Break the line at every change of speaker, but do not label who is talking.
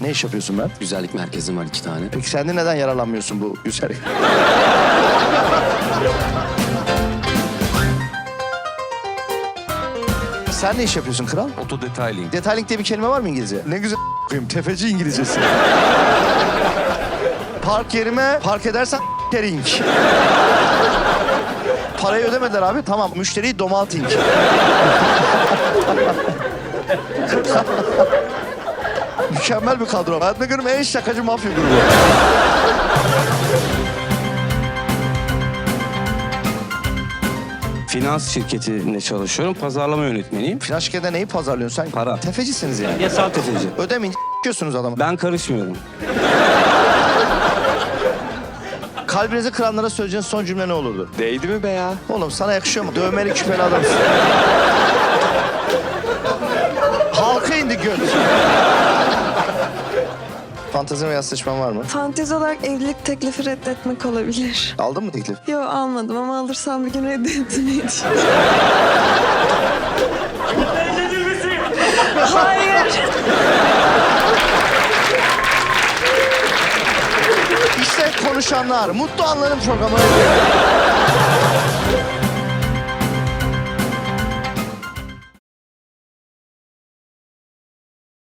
Ne iş yapıyorsun Mert?
Güzellik merkezim var 2 tane.
Peki sen de neden yararlanmıyorsun bu güzellik? Sen ne iş yapıyorsun kral?
Auto detailing.
Detailing diye bir kelime var mı İngilizce? Ne güzel koyayım. Tefeci İngilizcesi. Park yerime park edersen ring. Parayı ödemediler abi. Tamam. Müşteriyi domalting. Mükemmel bir kadro. Hayatımda gördüğüm en şakacı mafya grubu.
Finans şirketinde çalışıyorum. Pazarlama yönetmeniyim.
Finans şirketinde neyi pazarlıyorsun sen?
Para.
Tefecisiniz yani.
Yasal tefeci.
Ödemeyince s***yorsunuz adamı.
Ben karışmıyorum.
Kalbinizi kıranlara söyleyeceğiniz son cümle ne olurdu?
Değdi mi be ya?
Oğlum sana yakışıyor mu? Dövmeli küpeli adamsın. Halka indi göt. Fantezi veya sıçman var mı?
Fantezi olarak evlilik teklifi reddetmek olabilir.
Aldın mı teklif?
Yo almadım ama alırsam bir gün reddetmeyi düşünüyorum. Hayır.
İşte konuşanlar. Mutlu Anların programı.